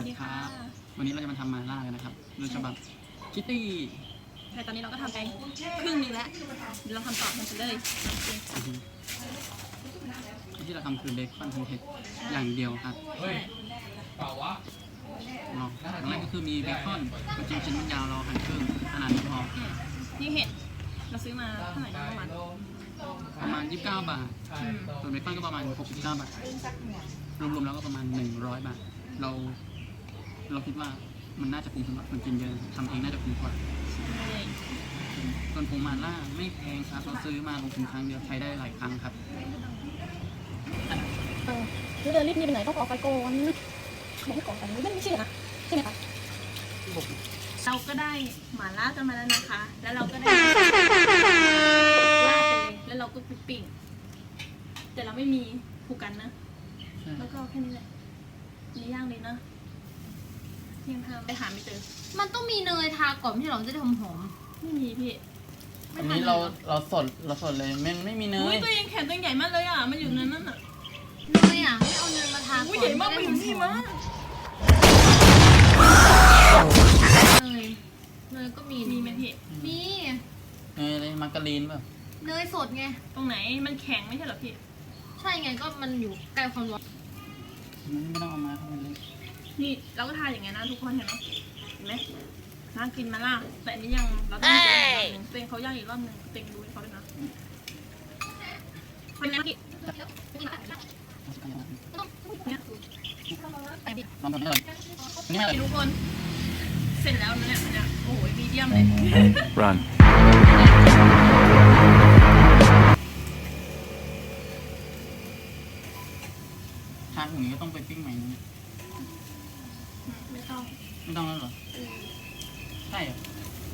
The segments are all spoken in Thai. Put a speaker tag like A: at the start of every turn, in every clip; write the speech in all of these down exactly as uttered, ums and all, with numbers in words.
A: วัสดีครับวันนี้เราจะมาทำมาล่ากันนะครับโดยฉบับคิตตี้
B: แต่ตอนนี้เราก็ทำไปครึ่งนึงแล้วเดี๋ยวเราทำต่อมันจะเลย
A: ที่เราทำคือเบคอนทันเทสอย่างเดียวครับเปล่าวะเนาะอย่างแรกก็คือมีเบคอนจริงชิ้นมันยาวเราหั่นครึ่งขนาดนี้พอ
B: นี่เห็ดเราซื้อมาเท่าไหร่นะประมาณ
A: ประมาณยี่สิบเก้าบาทส่วนเบคอนก็ประมาณหกสิบเก้าบาทรวมๆแล้วก็ประมาณหนึ่งร้อยบาทเราเราคิดว่ามันน่าจะคุ้มสำหรับคนกินเยอะทำเองน่าจะคุ้มกว่าส่วนผงมาล่าไม่แพงครับเราซื้อมาลงทุนครั้งเดียวใช้ได้หลายครั้งครับ
B: เออแล้วเดินรีบนี่ไปไหนต้องออกไปก่อนไม่ก่อนกันไม่ไม่ใช่นะใช่ไหมคะเราก็ได้หม่าล่ากันมาแล้วนะคะแล้วเราก็ได้ลาดไปเลยแล้วเราก็ปิ้งแต่เราไม่มีผูกกันนะแล้วก็แค่นี้แหละนี่ย่างเลยนะยังทำไปหาไม่เจอ
C: มันต้องมีเนยทาก่อนไม่ใช่หรอจะได้หอมหอม
B: ไม่มีพี่
A: อันนี้เราเราสดเราสดเลยไม่ไม่มีเนย
B: ตัวเองแขนตัวใหญ่มากเลยอ่ะมันอยู่ในนั้นอ่ะ
C: เนยอ่ะไม่เอาเนยมาทาก่อน
B: ใหญ่มากไปอยู่นี่มาก
C: เนยเนยก็มี
B: มีไหมพี่
C: มี
A: เนยอะไรมาการีนป่ะ
C: เนยสดไง
B: ตรงไหนมันแข็งไม่ใช่หรอพี่
C: ใช่ไงก็มันอยู่ใกล้ความร้อน
A: มันไม่ต้องเอามาเข้าไปเลย
B: นี่เราก็ทานอย่างเงี้ยนะทุกคนเห็นไหมเห็นไหมน่ากินมาล่ะแต่อันนี้ยังเราต้องเจออีกรอบนึงเต็งเขาย่างอีกรอบนึงเต็งดูให้เขาด้วยนะคนนี้พี่
A: ลองทำให้เลยนี่ไม่เลย
B: ทุกคนเสร็จแล้วนะเนี่ยเนี่ยโอ้โหมีเดียมเลย
D: Run
A: ทานอย่างนี้ก็ต้องไปปิ้งใหม่นะ
B: ไม่ต้อง
A: ไม่ต้องแล้วเหรอใช่เหรอ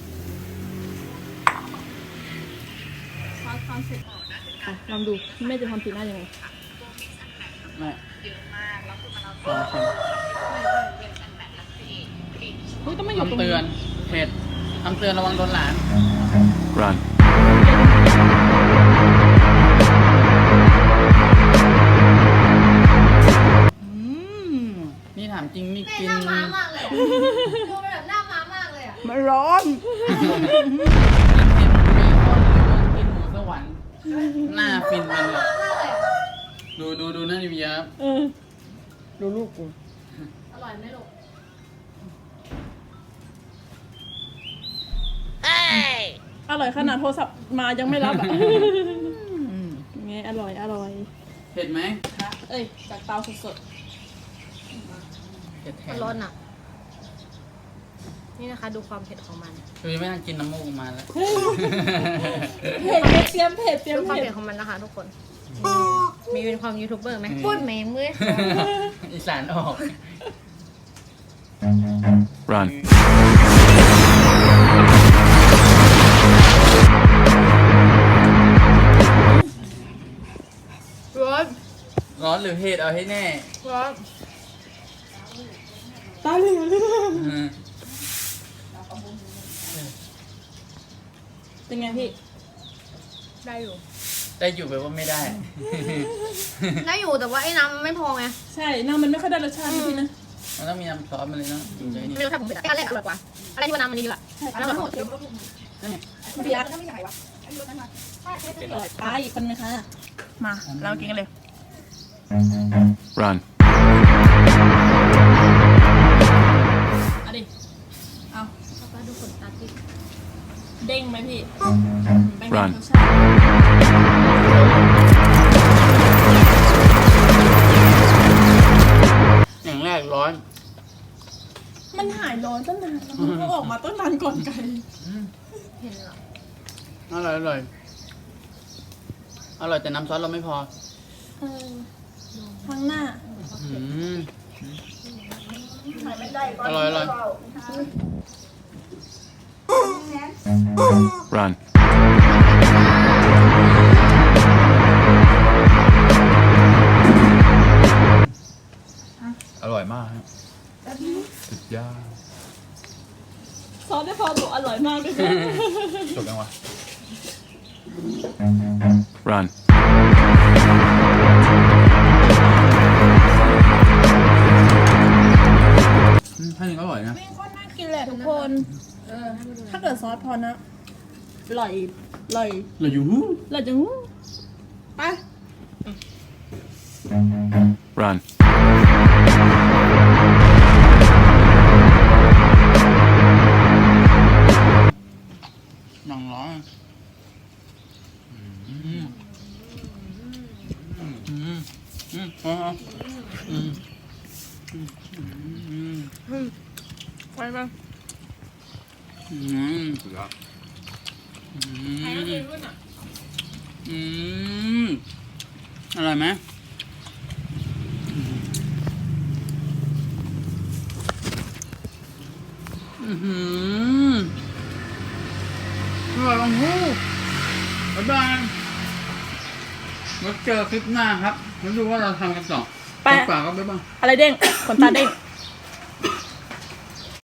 B: ซอสความเสร็จลองดูแม่จะทำสีหน้ายังไง
A: แม่
B: เยอะมากแล้วคือมันเอา
A: ซอส
B: เฮ้ยต้องไม่อยู่ตรงนี้
A: คำเตือนเผ็ดคำเตือนระวังโดนหลาน
D: Run
A: นี่ถามจริงนี่กิน
C: หน้าม้ามากเลยดูแบบหน้าม้ามากเลยอ่ะ
B: มันร้อน
A: กินหมูสวรรค์หน้าฟินมันเลยดูดูดูหน้านิวยับ
B: ดูลูกกู
C: อร่อยไหมลูก
B: อร่อยขนาดโทรศัพท์มายังไม่รับอ่ะไงอร่อยอร่อย
A: เผ็ดไหม
B: เอ้ยจากเตาสด
A: เผ็ดแทน
C: ร้อนอ่ะนี่นะคะดูความเผ็ดของมัน
A: คือไม่ต้องกินน้ำมูกมาแล้ว
B: เผ็ดเตรียมเผ็ดเตรียม
C: ดูความ
B: เผ็
C: เผ็
B: ด
C: ดของมันนะคะทุกคนมีเป็นความยูทูบเบอร์ไหมพูดแหมมือ
A: อีสานออก
D: Run
C: ร้อน
A: ร้อนหรือเผ็ดเอาให้แน่
C: ร้อน
B: ตาเหลืองเลยเป็นไงพี่
C: ได้อยู่
A: ได้อยู่แบบว่าไม่ได้
C: ได้อยู่แต่ว่าไอ้น้ำมันไม่พอไง
B: ใช่น้ำมันไม่ค่อยได้รสชาติพี่นะ
A: มันต้องมีน้ำซอสมันเลยนะจริงใจนี่
C: ไม่รู้ถ้าผมเผ็ดอันแรกอร่อยกว่าอะไรที่ว่าน้ำมันนี่ดีกว่าน้ำมันหมด
B: พี่รักไม่ใหญ่วะไปอีกคนนึงค่ะมาเรากินกันเลย
D: Run
B: เอาดิเอา
C: ป้าดูขนตาที่
B: เด้งไหมพี่
D: Run
A: อย่างแรกร้อน
B: มันหายร้อนตั้งนานมันก็ออกมาตั้งนานก่อนไก่
C: เห็นหรอ
A: อร่อยอร่อยอร่อยแต่น้ำซอสเราไม่พอ
B: เออข้างหน้า
A: อร่อยอร่อย
D: Run
E: อร่อยมากครับสุดยอด
B: ซอสได้พอบอกอร่อยมากเลย
E: จบยังวะ
D: Run
E: อยนะ
B: ไม่ค่อยน่ากินแหละทุกคน ถ้าเกิดซอสพอนะอร่อยอร่อย
A: เราอยู่
B: อร่อยจังไป
D: Run.
A: น้องร้องอืมอืมอืมอืมอ๋ออืมอืมอืม
B: ไปไป
A: อืม
E: สุดยอด
A: อื
B: ใครก็
A: ม
B: เคยขึ้นอ่ะ
A: อืมอร่อยไหมอือหืออร่อยลงหูบ๊ายบายไว้เจอคลิปหน้าครับมาดูว่าเราทำกันต่อ
B: ไป
A: ฝากก็บ๊ายบาย
B: อะไรเด้งขนตาเด้ง